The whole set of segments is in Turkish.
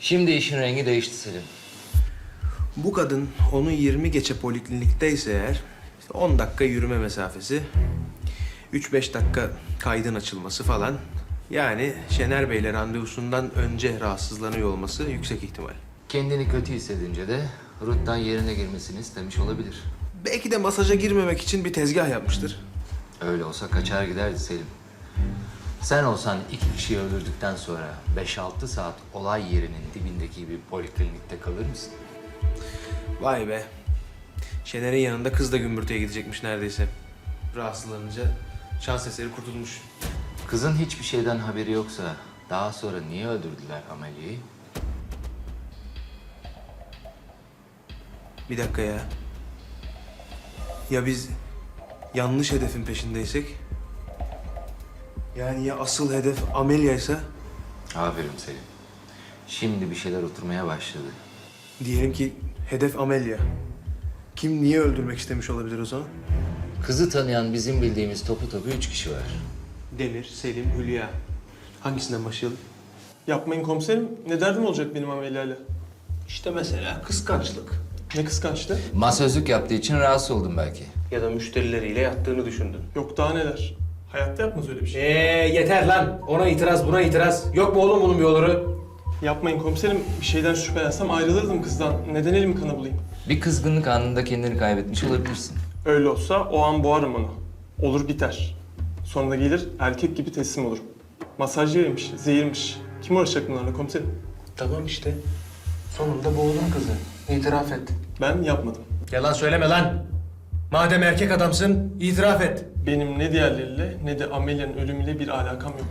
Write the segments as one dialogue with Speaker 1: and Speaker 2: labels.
Speaker 1: Şimdi işin rengi değişti Selim.
Speaker 2: Bu kadın onu 20 geçe poliklinikteyse eğer, işte 10 dakika yürüme mesafesi, 3-5 dakika kaydın açılması falan. Yani Şener Bey'le randevusundan önce rahatsızlanıyor olması yüksek ihtimal.
Speaker 1: Kendini kötü hissedince de Ruth'tan yerine girmesini istemiş olabilir.
Speaker 2: Belki de masaja girmemek için bir tezgah yapmıştır.
Speaker 1: Öyle olsa kaçar giderdi Selim. Sen olsan 2 kişiyi öldürdükten sonra 5-6 saat olay yerinin dibindeki bir poliklinikte kalır mısın?
Speaker 2: Vay be. Şener'in yanında kız da gümbürtüye gidecekmiş neredeyse. Rahatsızlanınca şans eseri kurtulmuş.
Speaker 1: Kızın hiçbir şeyden haberi yoksa daha sonra niye öldürdüler Amelia'yı?
Speaker 2: Bir dakika ya. Ya biz yanlış hedefin peşindeysek? Yani ya asıl hedef Amelia'ysa?
Speaker 1: Aferin Selim. Şimdi bir şeyler oturmaya başladı.
Speaker 2: Diyelim ki hedef Amelia. Kim niye öldürmek istemiş olabilir o zaman?
Speaker 1: Kızı tanıyan bizim bildiğimiz topu 3 kişi var.
Speaker 2: Demir, Selim, Hülya. Hangisinden başlayalım?
Speaker 3: Yapmayın komiserim. Ne derdim olacak benim Amelia'yla?
Speaker 2: İşte mesela kıskançlık.
Speaker 3: Ne kıskançtı?
Speaker 1: Masözlük yaptığı için rahatsız oldum belki.
Speaker 2: Ya da müşterileriyle yattığını düşündün.
Speaker 3: Yok daha neler. Hayatta yapmaz öyle bir şey.
Speaker 2: Yeter lan. Ona itiraz, buna itiraz. Yok mu oğlum bunun bir oluru?
Speaker 3: Yapmayın komiserim. Bir şeyden şüphelensem ayrılırdım kızdan. Neden elimi kana bulayım?
Speaker 1: Bir kızgınlık anında kendini kaybetmiş olabilirsin.
Speaker 3: Öyle olsa o an boğarım onu. Olur biter. Sonra da gelir erkek gibi teslim olurum. Masaj yeriymiş, zehirmiş. Kim uğraşacak bunlarla komiserim?
Speaker 2: Tamam işte. Sonunda boğdun kızı. İtiraf et.
Speaker 3: Ben yapmadım.
Speaker 2: Yalan söyleme lan. Madem erkek adamsın, itiraf et.
Speaker 3: Benim ne diğerleriyle ne de Amelia'nın ölümüyle bir alakam yok.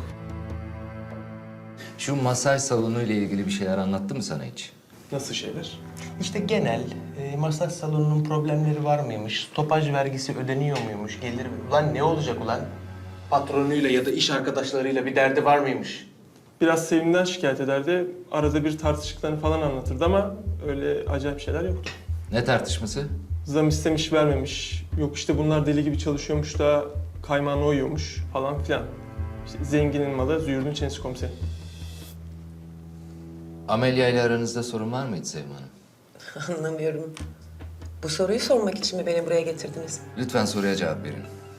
Speaker 1: Şu masaj salonu ile ilgili bir şeyler anlattı mı sana hiç?
Speaker 3: Nasıl şeyler?
Speaker 2: İşte genel masaj salonunun problemleri var mıymış? Stopaj vergisi ödeniyor muymuş? Gelir mi? Ulan ne olacak ulan? Patronuyla ya da iş arkadaşlarıyla bir derdi var mıymış?
Speaker 3: Biraz Sevim'den şikayet ederdi. Arada bir tartıştıklarını falan anlatırdı ama öyle acayip şeyler yoktu.
Speaker 1: Ne tartışması?
Speaker 3: Zam istemiş vermemiş. Yok işte bunlar deli gibi çalışıyormuş da kaymağına uyuyormuş falan filan. İşte zenginin malı züğürdün çenesi komiseri.
Speaker 1: Amelia ile aranızda sorun var mıydı Sevim Hanım?
Speaker 4: Anlamıyorum. Bu soruyu sormak için mi beni buraya getirdiniz?
Speaker 1: Lütfen soruya cevap verin.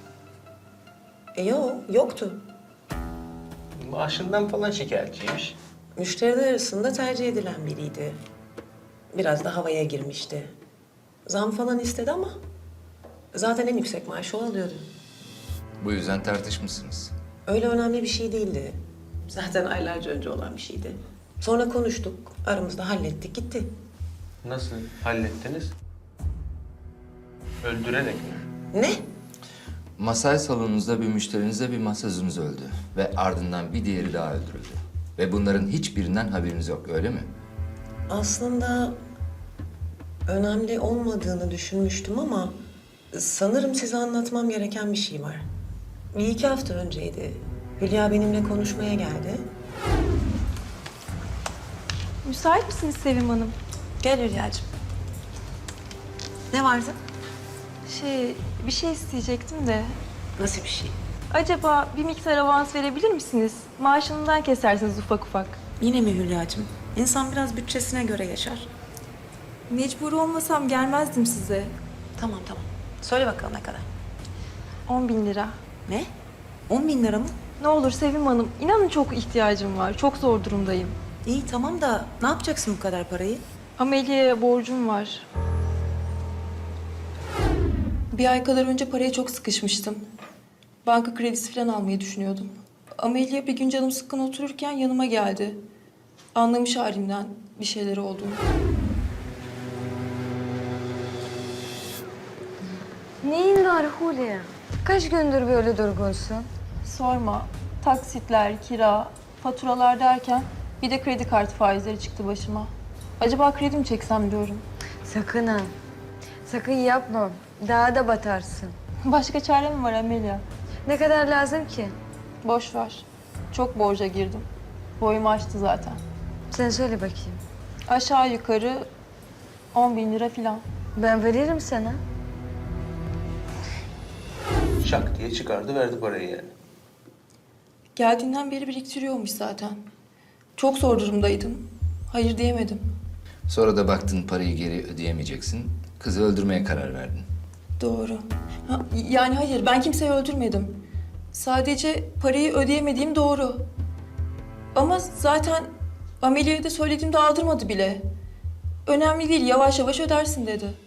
Speaker 4: Yoktu.
Speaker 2: Maaşından falan şikayetçiymiş.
Speaker 4: Müşteriler arasında tercih edilen biriydi. Biraz da havaya girmişti. Zam falan istedi ama zaten en yüksek maaşı o alıyordu.
Speaker 1: Bu yüzden tartışmışsınız.
Speaker 4: Öyle önemli bir şey değildi. Zaten aylarca önce olan bir şeydi. Sonra konuştuk, aramızda hallettik, gitti.
Speaker 2: Nasıl hallettiniz? Öldürerek mi?
Speaker 4: Ne?
Speaker 1: Masaj salonunuzda bir müşterinizle bir masözünüz öldü. Ve ardından bir diğeri daha öldürüldü. Ve bunların hiçbirinden haberiniz yok, öyle mi?
Speaker 4: Aslında önemli olmadığını düşünmüştüm ama sanırım size anlatmam gereken bir şey var. 1-2 hafta önceydi. Hülya benimle konuşmaya geldi.
Speaker 5: Müsait misiniz Sevim Hanım?
Speaker 4: Gel Hülya'cığım. Ne vardı?
Speaker 5: Bir şey isteyecektim de.
Speaker 4: Nasıl bir şey?
Speaker 5: Acaba bir miktar avans verebilir misiniz? Maaşından kesersiniz ufak ufak.
Speaker 4: Yine mi Hülya'cığım? İnsan biraz bütçesine göre yaşar.
Speaker 5: Mecbur olmasam gelmezdim size.
Speaker 4: Tamam. Söyle bakalım ne kadar?
Speaker 5: 10.000 lira.
Speaker 4: Ne? 10.000 lira mı?
Speaker 5: Ne olur Sevim Hanım, inanın çok ihtiyacım var. Çok zor durumdayım.
Speaker 4: İyi tamam da ne yapacaksın bu kadar parayı?
Speaker 5: Amelia'ya borcum var. Bir ay kadar önce paraya çok sıkışmıştım. Banka kredisi falan almayı düşünüyordum. Amelia bir gün canım sıkkın otururken yanıma geldi. Anlamış halimden bir şeyler olduğunu.
Speaker 6: Neyin var Hulya? Kaç gündür böyle durgunsun?
Speaker 5: Sorma. Taksitler, kira, faturalar derken bir de kredi kartı faizleri çıktı başıma. Acaba kredi mi çeksem diyorum.
Speaker 6: Sakın ha. Sakın yapma. Daha da batarsın.
Speaker 5: Başka çare mi var Amelia?
Speaker 6: Ne kadar lazım ki?
Speaker 5: Boş ver. Çok borca girdim. Boyumu aştı zaten.
Speaker 6: Sen söyle bakayım.
Speaker 5: Aşağı yukarı 10.000 lira falan.
Speaker 6: Ben veririm sana.
Speaker 2: Şak diye çıkardı verdi parayı yani.
Speaker 5: Geldiğinden beri biriktiriyormuş zaten. Çok zor durumdaydım. Hayır diyemedim.
Speaker 1: Sonra da baktın parayı geri ödeyemeyeceksin. Kızı öldürmeye karar verdin.
Speaker 5: Doğru. Yani hayır, ben kimseyi öldürmedim. Sadece parayı ödeyemediğim doğru. Ama zaten Amelia'ya da söylediğimde aldırmadı bile. Önemli değil, yavaş yavaş ödersin dedi.